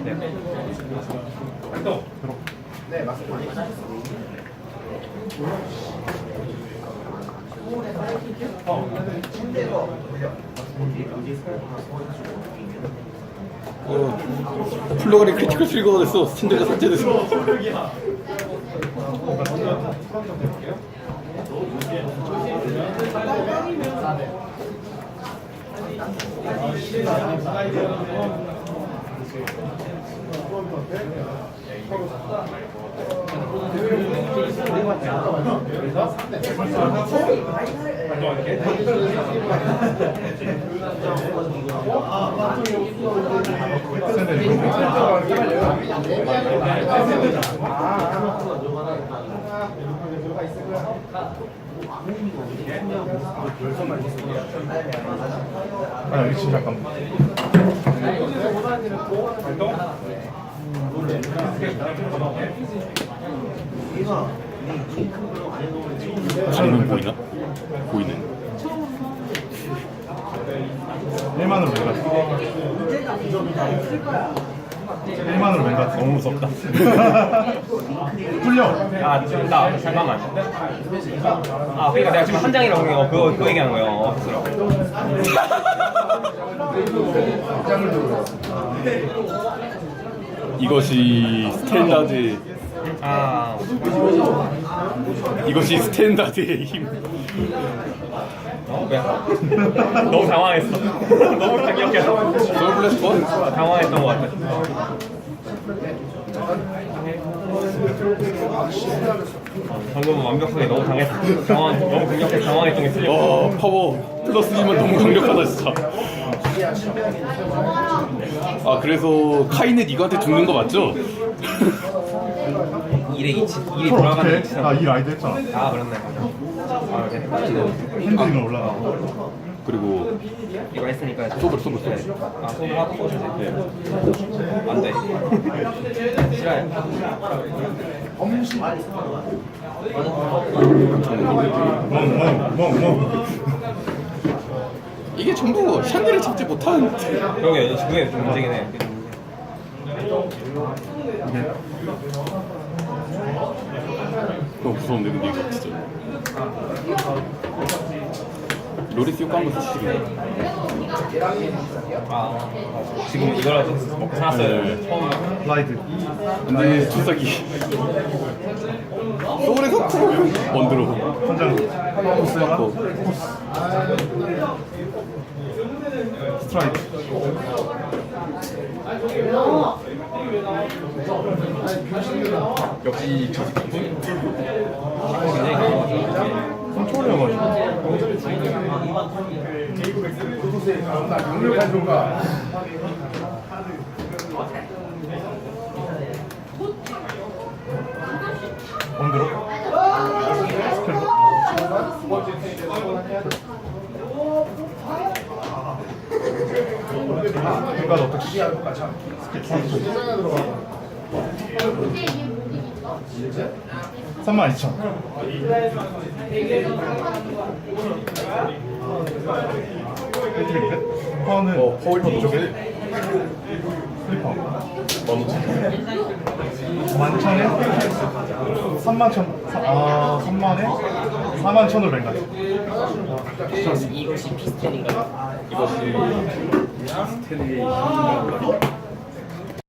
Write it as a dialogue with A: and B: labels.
A: 네, 맞습니다.
B: 플로가리 크리티컬 트리거가 됐어. 스탠드가 삭제됐어.
C: 아, 여기 진짜 잠깐만.
B: 장면 보이나? 보이네.
C: 1만으로 맹가. 1만으로 맹가 너무 무섭다. 뚫려.
D: 아, 나 잠깐만. 아, 그러니까 내가 지금 한 장이라고 한 거, 그거 얘기하는 거예요.
B: 이것이 스탠다드.
D: 아,
B: 이것이 스탠다드의 힘.
D: 왜? 너무 당황했어. 너무 강력해서.
B: 솔블레스 번?
D: 당황했던 것 같아. 방금 완벽하게 너무 당했어. 너무 강력해서 당황했던 게 틀렸어.
B: 파워 플러스 2만 너무 강력하다 진짜. 아 그래서 카이는 이거한테 죽는 거 맞죠?
D: 일이
C: 콜
D: 돌아가는
C: 어떻게 해?
D: 위치상.
C: 아, 이 라이드 했잖아.
D: 아, 그렇네. 아, 이제 헷갈렸네.
C: 핸들이는 올라가고.
B: 그리고
D: 이거 했으니까
B: 소블.
D: 아, 소블 하고 쏘셔야지. 안 돼. 싫어요.
C: 멍.
B: 이게 전부 샨들을 잡지 못한.
D: 그러게, 그게 좀 문제긴 해.
B: 너무 무서운데 근데 이거 진짜. 로리스 효과 한번 쓰시겠네.
D: 아, 지금 이거라도 먹고 살았어요.
B: 네.
D: 처음.
C: 라이드.
B: 근데 주사기. 소울에서 쿨 원드로.
C: 한장
B: 고
C: 스트라이크.
B: 역시
D: 굉장히 강하죠.
C: 컨트롤이어가지고. 원드로. 그러니까 어떻게 32,000. 파워는
B: 파워힐 저게
C: 슬리퍼
B: 15,000.
C: 11,000에 3만에 41,000으로 랭가.
D: 이것이 피스텐인가요?
B: 이것이 스탠의 힘인가 보다.